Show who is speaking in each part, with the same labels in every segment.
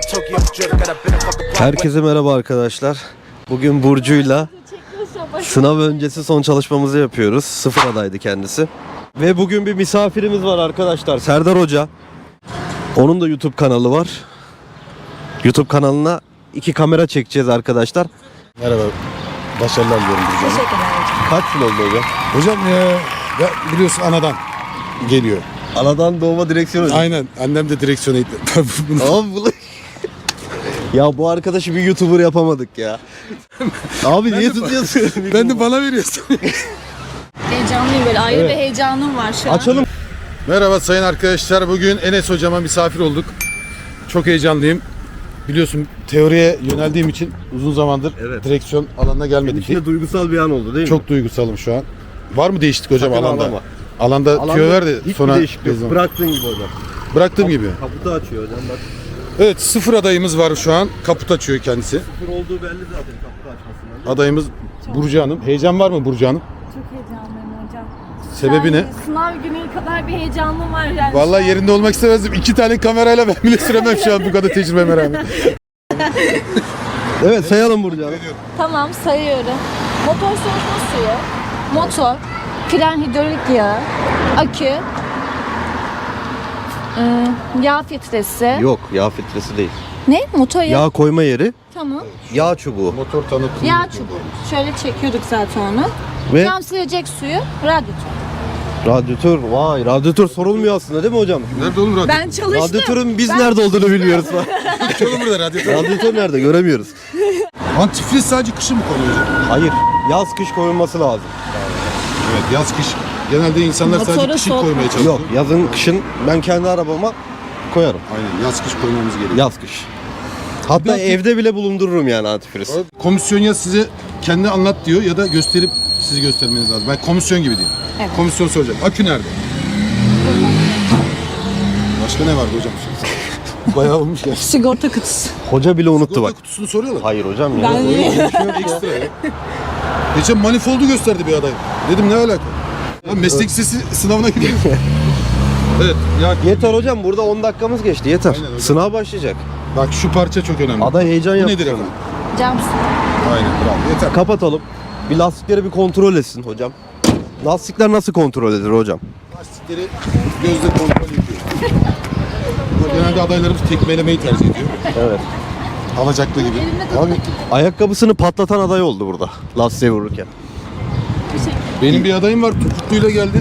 Speaker 1: Herkese merhaba arkadaşlar. Bugün Burcu'yla sınav öncesi son çalışmamızı yapıyoruz. Sıfır adaydı kendisi. Ve bugün bir misafirimiz var arkadaşlar. Serdar Hoca. Onun da YouTube kanalı var. YouTube kanalına 2 kamera çekeceğiz arkadaşlar.
Speaker 2: Merhaba. Başarılar diliyorum Burcu Hanım.
Speaker 3: Teşekkürler hocam.
Speaker 1: Kaç yıl oldu hocam?
Speaker 2: Hocam ya biliyorsun anadan geliyor.
Speaker 1: Anadan doğma direksiyon hocam.
Speaker 2: Aynen. Annem de direksiyon eğitim.
Speaker 1: Abi bu... Ya bu arkadaşı bir YouTuber yapamadık ya. Abi niye tutuyorsun?
Speaker 2: Ben de bana veriyorsun.
Speaker 3: Heyecanlıyım, böyle ayrı bir heyecanım var şu an.
Speaker 1: Açalım.
Speaker 2: Merhaba sayın arkadaşlar. Bugün Enes hocama misafir olduk. Çok heyecanlıyım. Biliyorsun teoriye yöneldiğim için uzun zamandır direksiyon alanına gelmedik.
Speaker 1: İçinde duygusal bir an oldu değil mi?
Speaker 2: Çok duygusalım şu an. Var mı değişiklik hocam
Speaker 1: Sakın
Speaker 2: alanda?
Speaker 1: ağlama.
Speaker 2: Alanda tüyo ver de
Speaker 1: hiçbir
Speaker 2: sonra
Speaker 1: değişiklik yok. Bıraktığın gibi hocam.
Speaker 2: bıraktığım gibi.
Speaker 1: Kaputu açıyor hocam bak.
Speaker 2: Evet, sıfır adayımız var şu an. Kaput açıyor kendisi.
Speaker 1: Sıfır olduğu belli zaten kaputu açmasından.
Speaker 2: Adayımız Burcu Hanım. Heyecan var mı Burcu Hanım?
Speaker 3: Çok heyecanlıyım hocam.
Speaker 2: Sebebi ne?
Speaker 3: Sınav günü kadar bir heyecanım var yani.
Speaker 2: Vallahi yerinde olmak istemezdim. 2 tane kamerayla ben bile süremem şu an bu kadar tecrübeme rağmen.
Speaker 1: Evet sayalım Burcu Hanım.
Speaker 3: Tamam, sayıyorum. Motor soğutma suyu, motor, fren hidrolik yağı, akü, yağ filtresi.
Speaker 1: Yok yağ filtresi değil.
Speaker 3: Ne? Motor yağı.
Speaker 1: Yağ koyma yeri,
Speaker 3: Tamam.
Speaker 1: yağ çubuğu
Speaker 2: Motor tanıtımı.
Speaker 3: Yağ çubuğu. Şöyle çekiyorduk zaten onu.
Speaker 1: ve
Speaker 3: Cam silecek suyu, radyatör.
Speaker 1: radyatör. Vay radyatör sorulmuyor aslında değil mi hocam?
Speaker 2: Nerede oğlum radyatör?
Speaker 3: Ben çalıştım.
Speaker 1: Radyatörün biz nerede olduğunu biliyoruz.
Speaker 2: Hiç oğlum burada radyatör.
Speaker 1: Radyatör nerede göremiyoruz.
Speaker 2: Antifriz sadece kışın mı konuyor?
Speaker 1: Hayır yaz kış koyulması lazım.
Speaker 2: Evet, yaz kış. Genelde insanlar sadece
Speaker 3: Motoru
Speaker 2: kışın
Speaker 3: soğutma.
Speaker 2: koymaya çalışıyor.
Speaker 1: Yok yazın kışın ben kendi arabama koyarım.
Speaker 2: Aynen, yaz kış koymamız gerekiyor.
Speaker 1: Yaz kış. Hatta
Speaker 2: Bir-
Speaker 1: evde bile bulundururum yani antifriz.
Speaker 2: Komisyon ya size kendi anlat diyor ya da gösterip sizi göstermeniz lazım. Ben komisyon gibi diyeyim.
Speaker 3: Evet.
Speaker 2: Komisyon soracak. Akü nerede? Başka ne vardı hocam? Bayağı olmuş ya.
Speaker 3: Sigorta kutusu.
Speaker 1: Hoca bile unuttu bak.
Speaker 2: Kutusunu soruyorlar.
Speaker 1: Hayır hocam ya.
Speaker 3: Ben
Speaker 2: Ekstra ya. Geçen manifoldu gösterdi bir aday. Dedim ne alaka? Ya meslek lisesi sınavına gidiyoruz. Evet. Ya
Speaker 1: Yeter hocam burada 10 dakikamız geçti yeter.
Speaker 2: Aynen hocam.
Speaker 1: Sınav başlayacak.
Speaker 2: bak şu parça çok önemli.
Speaker 1: Aday heyecan
Speaker 2: Bu
Speaker 1: yaptı.
Speaker 2: nedir efendim?
Speaker 3: Cam suyu.
Speaker 2: Aynen bravo. Yeter.
Speaker 1: Kapatalım. Bir lastikleri bir kontrol etsin hocam. Lastikler nasıl kontrol edilir hocam?
Speaker 2: Lastikleri gözle kontrol ediyor. Genelde adaylarımız tekmelemeyi tercih ediyor.
Speaker 1: Evet.
Speaker 2: Alacaklı gibi.
Speaker 1: Abi ayakkabısını patlatan aday oldu burada lastiğe vururken.
Speaker 2: Benim bir adayım var, topukluyla geldi.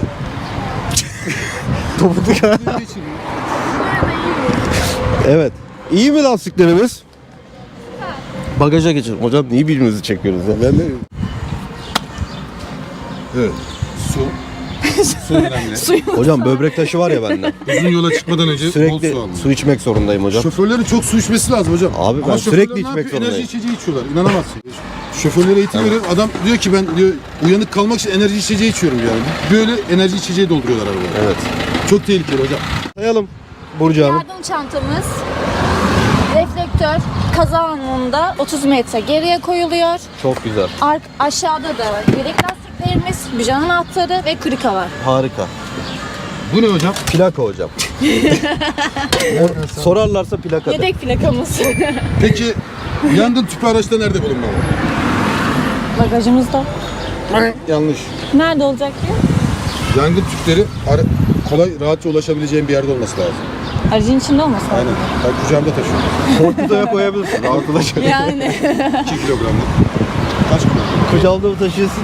Speaker 1: Topuklu. Evet. İyi mi lastiklerimiz? Bagaja geçelim. Hocam niye birbirimizi çekiyoruz ya?
Speaker 2: Ben de... Evet. Su. Su önemli.
Speaker 1: Hocam böbrek taşı var ya bende.
Speaker 2: Uzun yola çıkmadan önce bol
Speaker 1: Sürekli
Speaker 2: su alın.
Speaker 1: su içmek zorundayım hocam.
Speaker 2: Şoförlerin çok su içmesi lazım hocam.
Speaker 1: Abi ben
Speaker 2: Ama
Speaker 1: sürekli
Speaker 2: şoförler ne
Speaker 1: içmek
Speaker 2: yapıyor?
Speaker 1: zorundayım.
Speaker 2: Enerji içeceği içiyorlar. İnanamazsın. Şoförlere eğitim veriyorum. Adam diyor ki ben diyor uyanık kalmak için enerji içeceği içiyorum yani. Böyle enerji içeceği dolduruyorlar arabaya.
Speaker 1: Evet.
Speaker 2: Çok tehlikeli hocam.
Speaker 1: Sayalım Burcu Hanım.
Speaker 3: Yardım çantamız, reflektör kaza anında 30 metre geriye koyuluyor.
Speaker 1: Çok güzel.
Speaker 3: Aşağıda da yedek lastiklerimiz, bijon anahtarı ve krika var.
Speaker 1: Harika.
Speaker 2: Bu ne hocam?
Speaker 1: Plaka hocam. Sorarlarsa plaka de.
Speaker 3: Yedek plakamız.
Speaker 2: Peki yangın tüpü araçta nerede bulunmalı?
Speaker 3: Bagajımızda.
Speaker 2: Yanlış.
Speaker 3: Nerede olacak ki?
Speaker 2: Yangın tüpleri kolay, rahatça ulaşabileceğin bir yerde olması lazım.
Speaker 3: Aracın içinde olması lazım.
Speaker 2: Aynen. Ben kucağımda taşıyorum.
Speaker 1: Korkutuya koyabilirsin. Rahat ulaşır.
Speaker 3: Yani.
Speaker 2: 2 kilogramlık. Kaç kilogram?
Speaker 1: Kucağında mı taşıyorsun?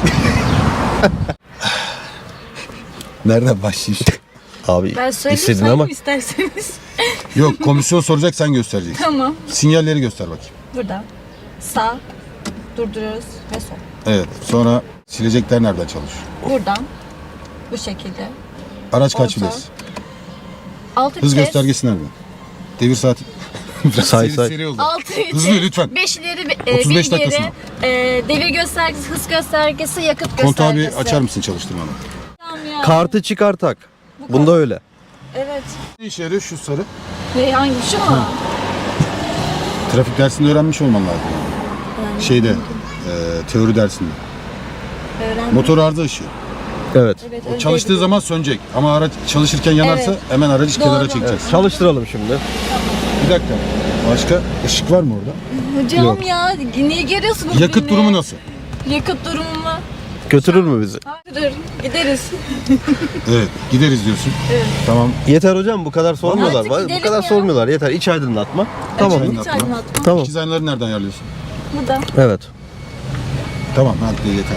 Speaker 2: Nereden başlayayım?
Speaker 1: Abi
Speaker 3: Ben söyleyeyim,
Speaker 1: istedin
Speaker 3: sayayım
Speaker 1: ama.
Speaker 3: isterseniz.
Speaker 2: Yok, komisyon soracak, sen göstereceksin.
Speaker 3: Tamam.
Speaker 2: Sinyalleri göster bakayım.
Speaker 3: Burada. Sağ. Durduruyoruz ve sol.
Speaker 2: Evet. Sonra silecekler nereden çalışıyor?
Speaker 3: Buradan. Bu şekilde.
Speaker 2: Araç kaç
Speaker 3: Orta.
Speaker 2: vites?
Speaker 3: 6
Speaker 2: Hız göstergesi nereden? Devir saati. Biraz
Speaker 1: Say,
Speaker 2: seri,
Speaker 1: say.
Speaker 2: seri oldu.
Speaker 3: 6
Speaker 2: Hızlı lütfen.
Speaker 3: 5 ileri
Speaker 2: 35
Speaker 3: bir
Speaker 2: dakika
Speaker 3: geri.
Speaker 2: sonra.
Speaker 3: Devir göstergesi, hız göstergesi, yakıt
Speaker 2: Kontağı bir
Speaker 3: göstergesi.
Speaker 2: açar mısın çalıştırmanı?
Speaker 3: Tamam ya.
Speaker 1: Kartı çıkar tak. Bunda öyle.
Speaker 3: Evet.
Speaker 2: Ne işe yarıyor şu sarı?
Speaker 3: Ve hangi şu mu?
Speaker 2: Trafik dersinde öğrenmiş olman lazım.
Speaker 3: Yani.
Speaker 2: Şeyde, teori dersinde.
Speaker 3: Öğrendim.
Speaker 2: Motor arıza ışığı.
Speaker 1: Evet.
Speaker 3: Evet,
Speaker 2: O
Speaker 3: öyle
Speaker 2: çalıştığı
Speaker 3: değil.
Speaker 2: zaman sönecek. Ama araç çalışırken yanarsa
Speaker 3: Evet.
Speaker 2: hemen aracı kenara
Speaker 3: Doğru.
Speaker 2: çekeceksin.
Speaker 1: Çalıştıralım şimdi.
Speaker 2: Bir dakika. Başka ışık var mı orada?
Speaker 3: Hocam
Speaker 2: Yok.
Speaker 3: ya niye geliyorsunuz
Speaker 2: Yakıt
Speaker 3: beni?
Speaker 2: durumu nasıl?
Speaker 3: Yakıt durumu mu?
Speaker 1: Götürür mü bizi?
Speaker 3: Hayır gideriz.
Speaker 2: Evet, gideriz diyorsun.
Speaker 3: Evet.
Speaker 2: Tamam.
Speaker 1: Yeter hocam, bu kadar sormuyorlar.
Speaker 3: Artık
Speaker 1: Bu
Speaker 3: gidelim
Speaker 1: kadar
Speaker 3: ya.
Speaker 1: sormuyorlar. Yeter, iç aydınlatma. Tamam.
Speaker 2: Evet.
Speaker 3: Hiç aydınlatma.
Speaker 1: Tamam.
Speaker 2: İkiz aynaları nereden ayarlıyorsun?
Speaker 3: Burada.
Speaker 1: Evet.
Speaker 2: Tamam, hadi yeter.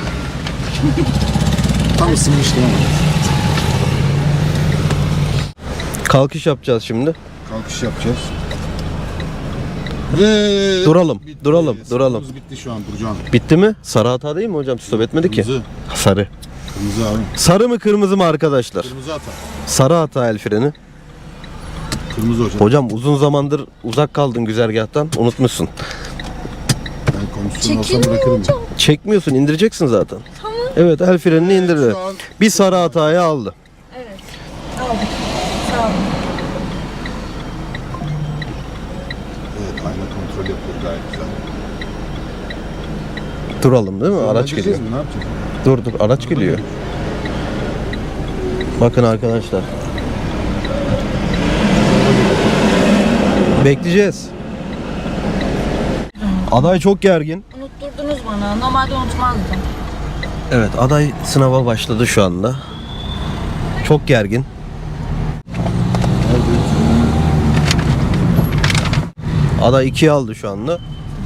Speaker 2: Tam ısınmıştı ama.
Speaker 1: Kalkış yapacağız şimdi.
Speaker 2: Kalkış yapacağız. Ve
Speaker 1: Duralım, duralım.
Speaker 2: Sabrımız bitti şu an Burcu Hanım.
Speaker 1: Bitti mi? Sarı hata değil mi hocam? Stop etmedi ki.
Speaker 2: Kırmızı.
Speaker 1: Sarı.
Speaker 2: Kırmızı abi.
Speaker 1: Sarı mı kırmızı mı arkadaşlar?
Speaker 2: Kırmızı hata.
Speaker 1: Sarı hata el freni.
Speaker 2: Kırmızı hocam.
Speaker 1: Hocam uzun zamandır uzak kaldın güzergahtan. Unutmuşsun.
Speaker 2: Ben komisyon olsam
Speaker 3: Çekilmiyor
Speaker 2: bırakırım.
Speaker 3: hocam.
Speaker 1: Çekmiyorsun, indireceksin zaten. Tamam. Evet, el frenini indirdi.
Speaker 2: Şu an
Speaker 1: Bir sarı hatayı aldı.
Speaker 3: Evet. Aldık. Sağ olun.
Speaker 2: evet, ayna kontrol yapıyor gayet güzel.
Speaker 1: Duralım değil mi? Araç
Speaker 2: Gideceğiz
Speaker 1: geliyor.
Speaker 2: mi? Ne yapacağız?
Speaker 1: Dur araç geliyor. Bakın arkadaşlar. Bekleyeceğiz. Aday çok gergin.
Speaker 3: Unutturdunuz bana. Normalde unutmazdım.
Speaker 1: Evet, aday sınava başladı şu anda. Çok gergin. Aday 2'yi aldı şu anda.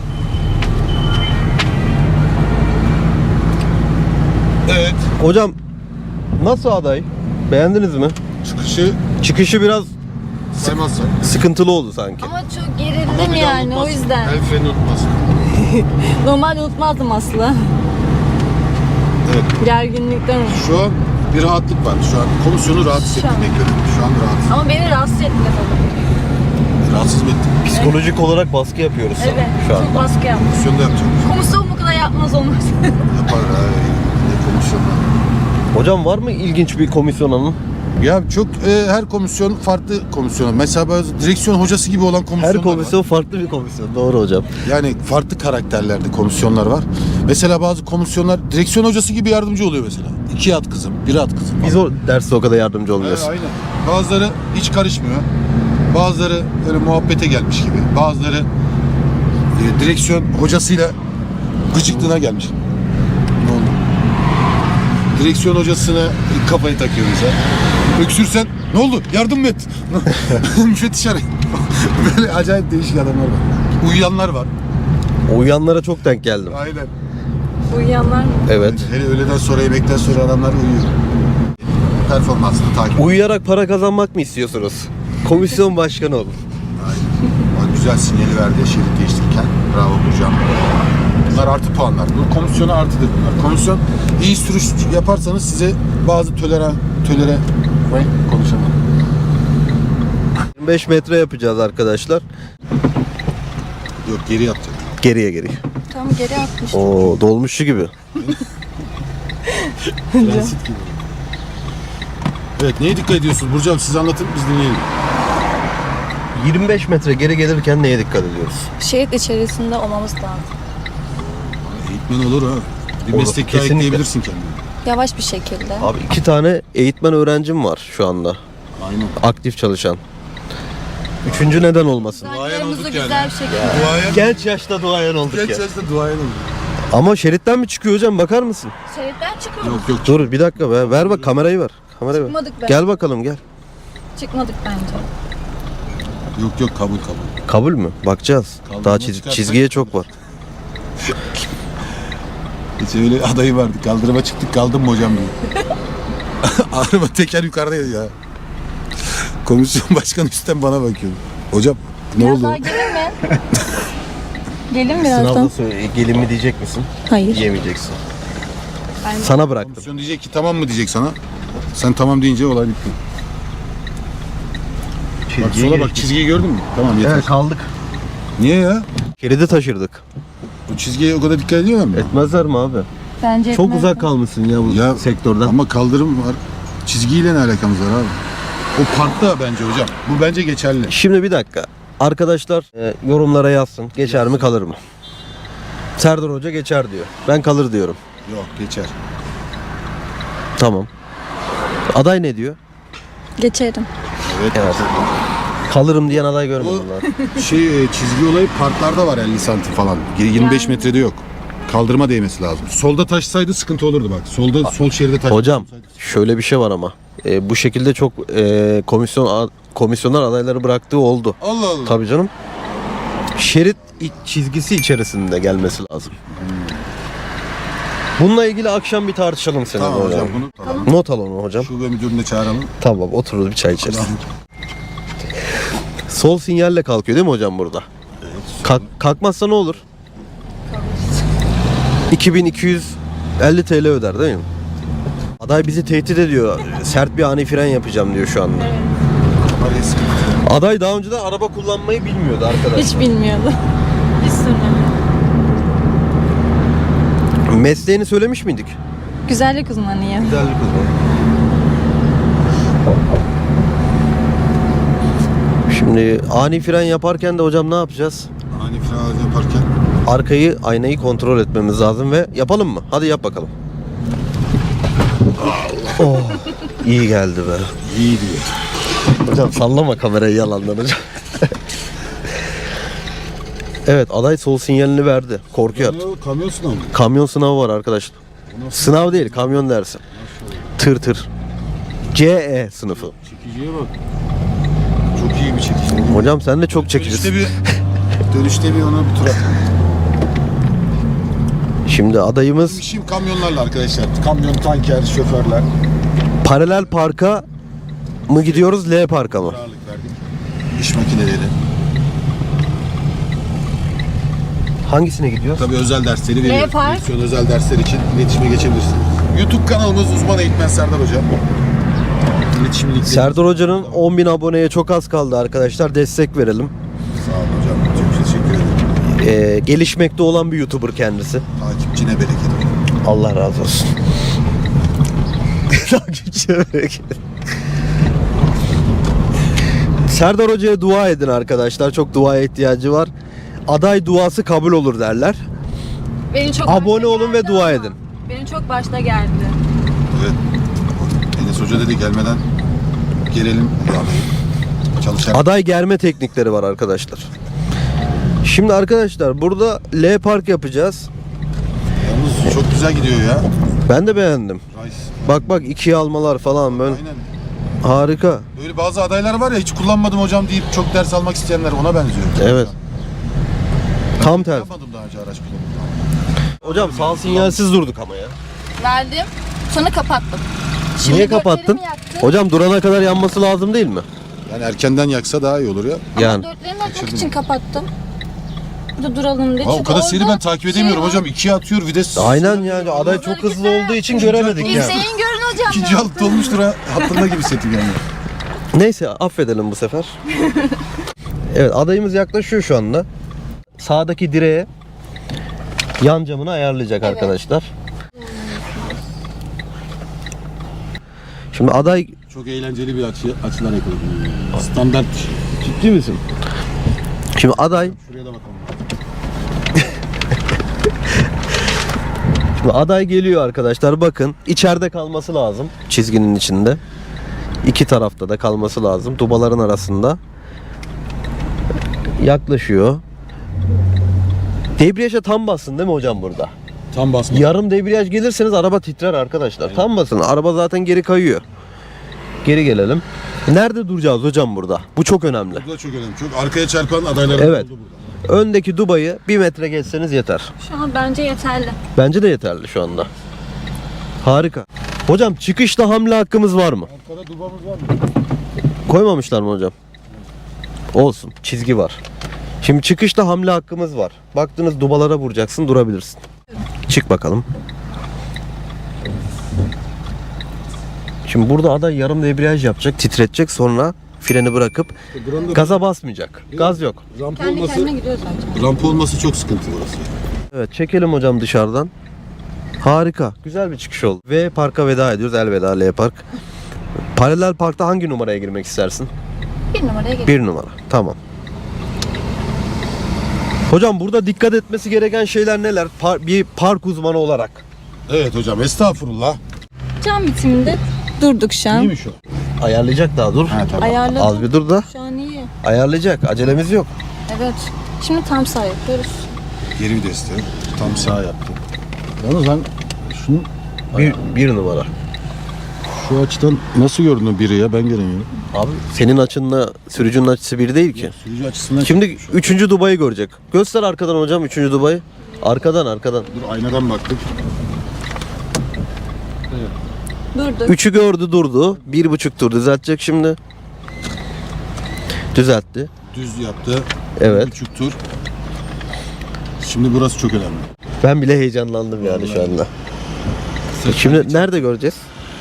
Speaker 2: Evet.
Speaker 1: Hocam nasıl aday? Beğendiniz mi?
Speaker 2: Çıkışı
Speaker 1: Çıkışı biraz
Speaker 2: saymazsak.
Speaker 1: sıkıntılı oldu sanki.
Speaker 3: Ama çok gerildim yani o yüzden.
Speaker 2: El freni unutmaz.
Speaker 3: Normalde unutmazdım aslında.
Speaker 2: Evet.
Speaker 3: Gerginlikten unuttum.
Speaker 2: Şu an bir rahatlık var. Şu an komisyonu rahat hissettiğine göre. Şu an rahat.
Speaker 3: Ama beni rahatsız etti tabii.
Speaker 2: Rahatsız mı ettin?
Speaker 1: Psikolojik olarak baskı yapıyoruz sana
Speaker 3: Evet.
Speaker 1: şu an.
Speaker 3: Çok baskı yaptım.
Speaker 2: Komisyonda yapacağım.
Speaker 3: Komisyon bu kadar yapmaz olmaz.
Speaker 2: Yapar ha. Ne komisyonda?
Speaker 1: Hocam var mı ilginç bir komisyon anı?
Speaker 2: Ya çok her komisyon farklı komisyon. Mesela bazı direksiyon hocası gibi olan komisyonlar
Speaker 1: Her komisyon farklı bir komisyon. Doğru hocam.
Speaker 2: var. Yani farklı karakterlerde komisyonlar var. Mesela bazı komisyonlar direksiyon hocası gibi yardımcı oluyor mesela. 2 at kızım, 1 at kızım.
Speaker 1: Biz o derste o kadar yardımcı olmuyoruz.
Speaker 2: Aynen. Bazıları hiç karışmıyor. Bazıları öyle muhabbete gelmiş gibi. Bazıları direksiyon hocasıyla gıcıklığına gelmiş. Ne oldu? Direksiyon hocasına kafayı takıyor mesela. Öksürsen ne oldu? Yardım mı et? Müfettiş arayın. Böyle acayip değişik adamlar var. Uyuyanlar var.
Speaker 1: Uyuyanlara çok denk geldim.
Speaker 2: Aynen.
Speaker 3: Uyuyanlar mı?
Speaker 1: Evet.
Speaker 2: Hele öğleden sonra yemekten sonra adamlar uyuyor. Performansını takip.
Speaker 1: Uyuyarak para kazanmak mı istiyorsunuz? Komisyon başkanı olun.
Speaker 2: Aynen. Güzel sinyali verdi şerit değiştirirken. Bravo hocam. Bunlar artı puanlar. Bu komisyona artıdır bunlar. Komisyon iyi sürüş yaparsanız size bazı tolere konuşamam.
Speaker 1: 25 metre yapacağız arkadaşlar.
Speaker 2: Yok geri yapacak.
Speaker 1: Geriye.
Speaker 3: Tam geri atmış.
Speaker 1: Oo, dolmuşçu gibi.
Speaker 2: Transit gibi. Evet neye dikkat ediyorsunuz Burcu abi siz anlatın biz dinleyelim.
Speaker 1: 25 metre geri gelirken neye dikkat ediyoruz?
Speaker 3: Şehit içerisinde olmamız lazım.
Speaker 2: Eğitmen olur ha. Bir
Speaker 1: Olur,
Speaker 2: meslek
Speaker 1: kesinlikle.
Speaker 2: ekleyebilirsin kendine.
Speaker 3: Yavaş bir şekilde.
Speaker 1: Abi 2 tane eğitmen öğrencim var şu anda.
Speaker 2: Aynen.
Speaker 1: Aktif çalışan. Üçüncü neden olmasın?
Speaker 3: Saygılarımızı
Speaker 2: olduk
Speaker 3: güzel
Speaker 2: yani.
Speaker 3: bir şekilde.
Speaker 2: Duayen.
Speaker 1: Genç yaşta duayen olduk ya.
Speaker 2: yaşta duayen oldu.
Speaker 1: Ama şeritten mi çıkıyor hocam, bakar mısın?
Speaker 3: Şehitten çıkmadık.
Speaker 2: Yok yok.
Speaker 1: Dur bir dakika be. Ver bak, kamerayı ver. Kamerayı ver.
Speaker 3: Çıkmadık be.
Speaker 1: Gel bakalım gel.
Speaker 3: Çıkmadık bence.
Speaker 2: Yok kabul.
Speaker 1: Kabul mü? Bakacağız.
Speaker 2: Kaldırma
Speaker 1: Daha
Speaker 2: çıkarsak-
Speaker 1: çizgiye çok var.
Speaker 2: Hiç öyle adayı vardı. Kaldırıma çıktık kaldım mı hocam diye. Araba teker yukarıdaydı ya. Komisyon başkanı üstten bana bakıyor. Hocam ne
Speaker 3: Biraz
Speaker 2: oldu?
Speaker 3: daha gelin mi? Gelin birazdan.
Speaker 1: Sınavda söyle, gelin mi diyecek misin?
Speaker 3: Hayır.
Speaker 1: Yemeyeceksin.
Speaker 3: Ben-
Speaker 1: Sana bıraktım.
Speaker 2: Komisyon diyecek ki tamam mı diyecek sana. Sen tamam deyince olay bitti. Bak sola bak çizgiyi gördün mü? Tamam yeter.
Speaker 1: Evet, kaldık.
Speaker 2: Niye ya?
Speaker 1: Şeridi taşırdık.
Speaker 2: Bu çizgiye o kadar dikkat ediyorlar mı?
Speaker 1: Etmezler mi abi?
Speaker 3: Bence
Speaker 1: Çok
Speaker 3: etmez.
Speaker 1: uzak kalmışsın ya bu
Speaker 2: Ya,
Speaker 1: sektörden.
Speaker 2: Ama kaldırım var. Çizgiyle ne alakamız var abi? O parkta bence hocam. Bu bence geçerli.
Speaker 1: Şimdi bir dakika. Arkadaşlar yorumlara yazsın. Geçer mi kalır mı? Serdar Hoca geçer diyor. Ben kalır diyorum.
Speaker 2: Yok geçer.
Speaker 1: Tamam. Aday ne diyor?
Speaker 3: Geçerim.
Speaker 2: Evet.
Speaker 1: Evet. Kalırım diyen aday görmedim ben.
Speaker 2: Çizgi olayı parklarda var 50 santim falan. 25
Speaker 3: Yani.
Speaker 2: metrede yok. Kaldırıma değmesi lazım. Solda taşsaydı sıkıntı olurdu bak. Sol şeride taş.
Speaker 1: Hocam şöyle bir şey var ama. Bu şekilde çok komisyonlar adayları bıraktığı oldu.
Speaker 2: Allah Allah.
Speaker 1: Tabii canım. Şerit çizgisi içerisinde gelmesi lazım. Bununla ilgili akşam bir tartışalım seninle
Speaker 2: Tamam
Speaker 1: hocam.
Speaker 2: hocam bunu alalım.
Speaker 1: Not al onu hocam.
Speaker 2: Şube müdürünü de çağıralım.
Speaker 1: Tamam, otururuz bir çay içeriz. Sol sinyalle kalkıyor değil mi hocam burada? Evet. Kalkmazsa ne olur? 2250 TL öder değil mi? Aday bizi tehdit ediyor. Sert bir ani fren yapacağım diyor şu anda. Aday daha önceden araba kullanmayı bilmiyordu arkadaşlar.
Speaker 3: Hiç bilmiyordu. Hiç sürmedi.
Speaker 1: Mesleğini söylemiş miydik?
Speaker 3: Güzellik uzmanıyım.
Speaker 1: Güzellik uzmanı. Şimdi ani fren yaparken de hocam ne yapacağız?
Speaker 2: Ani fren yaparken
Speaker 1: Aynayı kontrol etmemiz lazım ve yapalım mı? Hadi yap bakalım. Oh, iyi geldi be.
Speaker 2: iyi diyor.
Speaker 1: Hocam sallama kamerayı yalandan hocam. Evet, aday sol sinyalini verdi. Korkuyor.
Speaker 2: Kamyon sınavı.
Speaker 1: Kamyon sınavı var arkadaşlar. Sınav değil, kamyon dersi. Tır. CE sınıfı.
Speaker 2: Çekiciye bak. Çok iyi bir çekici.
Speaker 1: Hocam sen de çok çekicisin.
Speaker 2: Dönüşte bir ona bir tur at.
Speaker 1: Şimdi adayımız
Speaker 2: İşim kamyonlarla arkadaşlar. Kamyon, tanker, şoförler.
Speaker 1: paralel parka mı gidiyoruz, L parka mı?
Speaker 2: Ağırlık verdik. İş makineleri.
Speaker 1: Hangisine gidiyoruz?
Speaker 2: Tabii özel dersleri veriyoruz.
Speaker 3: Park.
Speaker 2: Direksiyon özel dersler için iletişime geçebilirsiniz. YouTube kanalımız Uzman Eğitmen Serdar Hocam. İletişim linkleri.
Speaker 1: Serdar Hoca'nın 10.000 aboneye çok az kaldı arkadaşlar. Destek verelim.
Speaker 2: Sağ olun hocam. Çok teşekkür ederim.
Speaker 1: Gelişmekte olan bir YouTuber kendisi.
Speaker 2: Takipçine bereket.
Speaker 1: Allah razı olsun. Takipçine bereket. Serdar Hoca'ya dua edin arkadaşlar. Çok duaya ihtiyacı var. Aday duası kabul olur derler.
Speaker 3: Beni çok
Speaker 1: Abone
Speaker 3: başta
Speaker 1: olun ve
Speaker 3: geldi
Speaker 1: dua
Speaker 3: ama.
Speaker 1: edin.
Speaker 3: Beni çok başta geldi.
Speaker 2: Evet. Enes Hoca dedi gelmeden gelelim. Çalışalım.
Speaker 1: Aday germe teknikleri var arkadaşlar. Şimdi arkadaşlar burada L park yapacağız.
Speaker 2: Yalnız çok güzel gidiyor ya.
Speaker 1: Ben de beğendim.
Speaker 2: Rice.
Speaker 1: Bak ikiye almalar falan böyle.
Speaker 2: Aynen.
Speaker 1: Harika.
Speaker 2: Böyle bazı adaylar var ya hiç kullanmadım hocam deyip çok ders almak isteyenler ona benziyor.
Speaker 1: Evet. Tam tersi.
Speaker 2: Yapmadım daha önce araç kullanımı.
Speaker 1: Hocam sağ sinyalsiz durduk ama ya.
Speaker 3: Verdim. Sonra kapattım. Şimdi
Speaker 1: Niye kapattın?
Speaker 3: dörtlerimi yaktım.
Speaker 1: Hocam durana kadar yanması lazım değil mi?
Speaker 2: Yani erkenden yaksa daha iyi olur ya.
Speaker 1: Yani.
Speaker 3: Dörtlerimi açmak için kapattım. Burada duralım diye.
Speaker 2: Aa, o
Speaker 3: Çünkü
Speaker 2: kadar seri
Speaker 3: orada
Speaker 2: ben takip edemiyorum
Speaker 3: var.
Speaker 2: hocam. İkiye atıyor vites.
Speaker 1: Aynen yani aday çok hızlı olduğu için göremedik yani.
Speaker 3: İzleyin görün hocam.
Speaker 2: İkinci alt olmuştur ha. Hatırına gibi setim yani.
Speaker 1: Neyse affedelim bu sefer. Evet, adayımız yaklaşıyor şu anda. Sağdaki direğe yan camını ayarlayacak
Speaker 3: Evet.
Speaker 1: arkadaşlar. Şimdi aday
Speaker 2: Çok eğlenceli bir açılar yakaladım. Standart bir şey.
Speaker 1: ciddi misin? Şimdi aday
Speaker 2: Şuraya da bakalım.
Speaker 1: Şimdi aday geliyor arkadaşlar, bakın içeride kalması lazım çizginin içinde. İki tarafta da kalması lazım, dubaların arasında. Yaklaşıyor. Debriyaja tam bassın değil mi hocam burada?
Speaker 2: Tam basma.
Speaker 1: Yarım debriyaj gelirseniz araba titrer arkadaşlar. Tam basın, araba zaten geri kayıyor. Geri gelelim. Nerede duracağız hocam burada? Bu çok önemli.
Speaker 2: Bu da çok önemli. Çok arkaya çarpan adaylar
Speaker 1: Evet.
Speaker 2: oldu burada.
Speaker 1: Öndeki dubayı 1 metre geçseniz yeter.
Speaker 3: Şu an bence yeterli.
Speaker 1: Bence de yeterli şu anda. Harika. Hocam çıkışta hamle hakkımız var mı?
Speaker 2: Arkada dubamız var mı?
Speaker 1: Koymamışlar mı hocam? Olsun. Çizgi var. Şimdi çıkışta hamle hakkımız var. Baktınız dubalara vuracaksın, durabilirsin. Çık bakalım. Şimdi burada aday yarım debriyaj yapacak, titretecek, sonra freni bırakıp gaza basmayacak. Gaz yok.
Speaker 2: Rampa
Speaker 3: Kendi
Speaker 2: olması,
Speaker 3: kendine gidiyor zaten.
Speaker 2: rampa olması çok sıkıntı burası.
Speaker 1: Evet, çekelim hocam dışarıdan. Harika. Güzel bir çıkış oldu. Ve parka veda ediyoruz. Elveda L Park. Paralel parkta hangi numaraya girmek istersin?
Speaker 3: 1 numaraya gidiyor.
Speaker 1: 1 numara. Tamam. Hocam burada dikkat etmesi gereken şeyler neler? Bir park uzmanı olarak.
Speaker 2: Evet hocam estağfurullah.
Speaker 3: Cam bitiminde durduk şu an.
Speaker 2: İyi mi şu?
Speaker 1: Ayarlayacak daha dur.
Speaker 2: Ha tamam.
Speaker 3: Ayarladım.
Speaker 1: Az bir dur da.
Speaker 3: Şu an iyi.
Speaker 1: Ayarlayacak. Acelemiz yok.
Speaker 3: Evet. Şimdi tam sağ yapıyoruz.
Speaker 2: Geri viteste. Tam sağ yaptı. Yalnız ben şunu
Speaker 1: Bir numara.
Speaker 2: şu açıdan nasıl gördün biri ya? Ben göremiyorum.
Speaker 1: Abi senin açınla sürücünün açısı bir değil ki.
Speaker 2: Sürücü açısından
Speaker 1: Şimdi 3. Dubai'yi görecek. Göster arkadan hocam 3. Dubai. Arkadan.
Speaker 2: dur aynadan baktık.
Speaker 3: Durdu.
Speaker 1: 3'ü gördü durdu. 1,5 tur düzeltecek şimdi. Düzeltti.
Speaker 2: Düz yaptı.
Speaker 1: Evet.
Speaker 2: 1,5 tur. Şimdi burası çok önemli.
Speaker 1: Ben bile heyecanlandım yani şu anda. Şimdi nerede göreceğiz?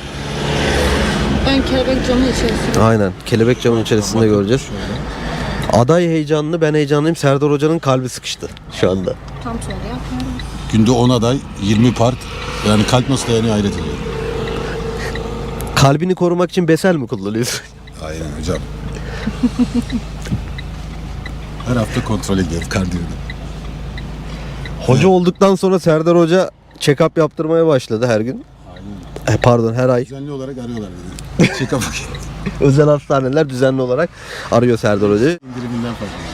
Speaker 3: Ön kelebek camı içerisinde.
Speaker 1: Aynen. Kelebek camın içerisinde göreceğiz. Aday heyecanlı, ben heyecanlıyım. Serdar Hoca'nın kalbi sıkıştı şu anda.
Speaker 3: Tam sonra yapmıyorum.
Speaker 2: Günde 10 aday, 20 part. Yani kalp nasıl dayanıyor hayret ediyorum.
Speaker 1: Kalbini korumak için besel mi kullanıyorsun?
Speaker 2: Aynen hocam. Her hafta kontrol ediyoruz kardiyoda.
Speaker 1: Hoca olduktan sonra Serdar Hoca check-up yaptırmaya başladı her gün. Pardon, her ay.
Speaker 2: Düzenli olarak arıyorlar dedi. Check-up
Speaker 1: Özel hastaneler düzenli olarak arıyor Serdar Hoca'yı.
Speaker 2: indiriminden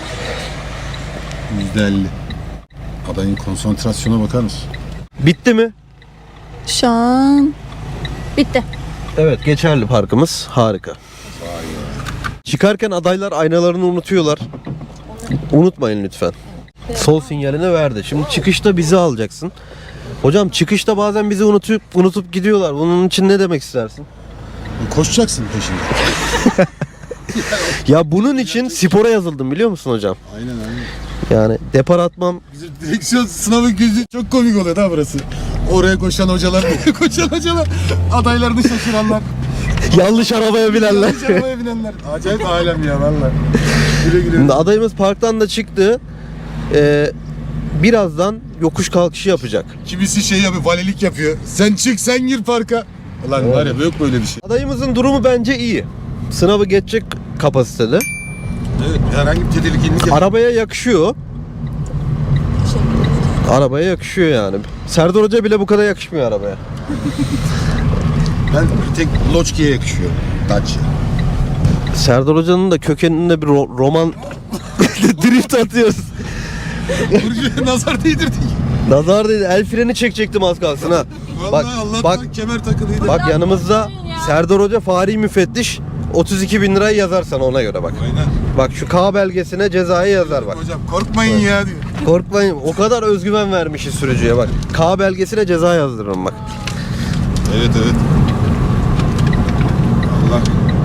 Speaker 2: fazla. %50. Adayın konsantrasyona bakar mısın?
Speaker 1: Bitti mi?
Speaker 3: Şu an bitti.
Speaker 1: Evet, geçerli parkımız. Harika. Çıkarken adaylar aynalarını unutuyorlar. Unutmayın lütfen. Sol sinyalini verdi. Şimdi çıkışta bizi alacaksın. Hocam çıkışta bazen bizi unutup gidiyorlar. Bunun için ne demek istersin?
Speaker 2: Koşacaksın peşinde.
Speaker 1: Ya bunun için spora yazıldım biliyor musun hocam?
Speaker 2: Aynen.
Speaker 1: Yani depar atmam.
Speaker 2: Bizim direksiyon sınavı gözü çok komik oluyor da burası. Oraya koşan hocalar, buraya koşan hocalar, adaylarını şaşıranlar,
Speaker 1: Yanlış arabaya binenler.
Speaker 2: yanlış arabaya binenler. Acayip alem ya valla. Güle güle.
Speaker 1: Şimdi adayımız parktan da çıktı. Birazdan yokuş kalkışı yapacak.
Speaker 2: Kimisi şey yapıyor, valilik yapıyor. Sen çık, sen gir parka. Ulan var ya yok böyle bir şey.
Speaker 1: Adayımızın durumu bence iyi. Sınavı geçecek kapasitede.
Speaker 2: Evet, herhangi bir tedirginlik yok.
Speaker 1: Arabaya yakışıyor. Arabaya yakışıyor yani. Serdar Hoca bile bu kadar yakışmıyor arabaya.
Speaker 2: Ben bir tek Loçki'ye yakışıyorum. Dacia.
Speaker 1: Serdar Hoca'nın da kökeninde bir roman drift atıyoruz.
Speaker 2: Burcu'ya nazar değdirdik.
Speaker 1: Nazar dedi. El freni çekecektim az kalsın ha.
Speaker 2: Vallahi Allah'tan
Speaker 1: bak,
Speaker 2: kemer takılıydı.
Speaker 1: bak yanımızda Serdar Hoca Fahri Müfettiş 32.000 lirayı yazar sana ona göre bak.
Speaker 2: Aynen.
Speaker 1: Bak şu K belgesine cezayı yazar bak.
Speaker 2: Hocam korkmayın ya diyor.
Speaker 1: Korkmayın. O kadar özgüven vermişiz sürücüye bak. K belgesine ceza yazdırırım bak.
Speaker 2: Evet. Allah.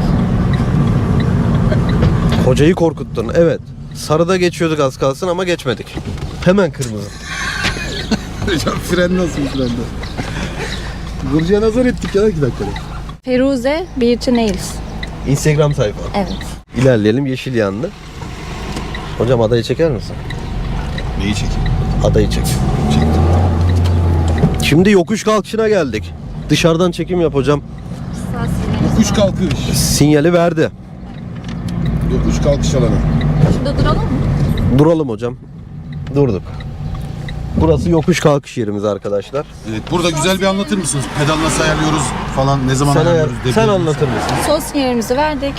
Speaker 1: Hocayı korkuttun. Evet. Sarıda geçiyorduk az kalsın ama geçmedik. Hemen kırmızı.
Speaker 2: Hocam fren nasıl frende? Burcu'ya nazar ettik ya 2 dakikada.
Speaker 3: Feruze Beauty Nails.
Speaker 1: Instagram sayfa.
Speaker 3: Evet.
Speaker 1: İlerleyelim. Yeşil yandı. Hocam adayı çeker misin?
Speaker 2: Neyi çekeyim?
Speaker 1: Adayı çek.
Speaker 2: Çektim.
Speaker 1: Şimdi yokuş kalkışına geldik. Dışarıdan çekim yap hocam.
Speaker 2: Yokuş kalkış.
Speaker 1: Sinyali verdi.
Speaker 2: Yokuş kalkış alanı.
Speaker 3: Şimdi duralım mı?
Speaker 1: Duralım hocam. Durduk. Burası yokuş kalkış yerimiz arkadaşlar.
Speaker 2: Evet, burada güzel bir anlatır mısınız? Pedal nasıl ayarlıyoruz falan, ne zaman ayarlıyoruz?
Speaker 1: Sen anlatır mısın?
Speaker 3: Sol sinyalimizi verdik.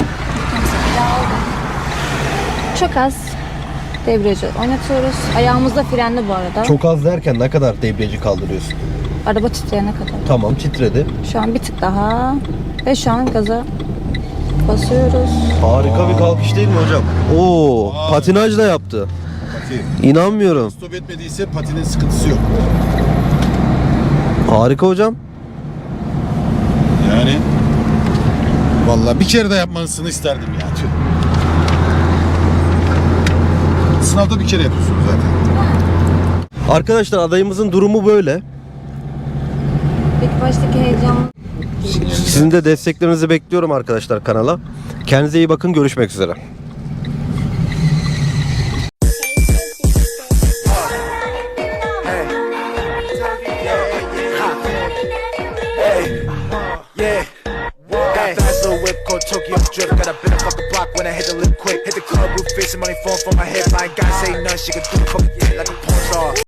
Speaker 3: Çok az debriyajı oynatıyoruz. Ayağımızda frenli bu arada.
Speaker 1: Çok az derken ne kadar debriyajı kaldırıyorsun?
Speaker 3: Araba titreyene kadar.
Speaker 1: Tamam titredi.
Speaker 3: Şu an bir tık daha. Ve şu an gaza basıyoruz.
Speaker 1: Harika bir kalkış değil mi hocam? Oo, patinaj da yaptı.
Speaker 2: Pati.
Speaker 1: İnanmıyorum.
Speaker 2: Stop etmediyse patinin sıkıntısı yok.
Speaker 1: Harika hocam.
Speaker 2: Yani vallahi bir kere de yapmanızını isterdim ya. Tüh. Sınavda bir kere yapıyorsunuz zaten.
Speaker 1: Arkadaşlar adayımızın durumu böyle.
Speaker 3: İlk baştaki heyecan.
Speaker 1: Sizin de desteklerinizi bekliyorum arkadaşlar kanala. Kendinize iyi bakın. Görüşmek üzere.
Speaker 4: Tokyo drip, got a bit of fucking block when I hit the lip quick. Hit the club roof, facing money falling from my head. I ain't gotta say nothing, she can do the fucking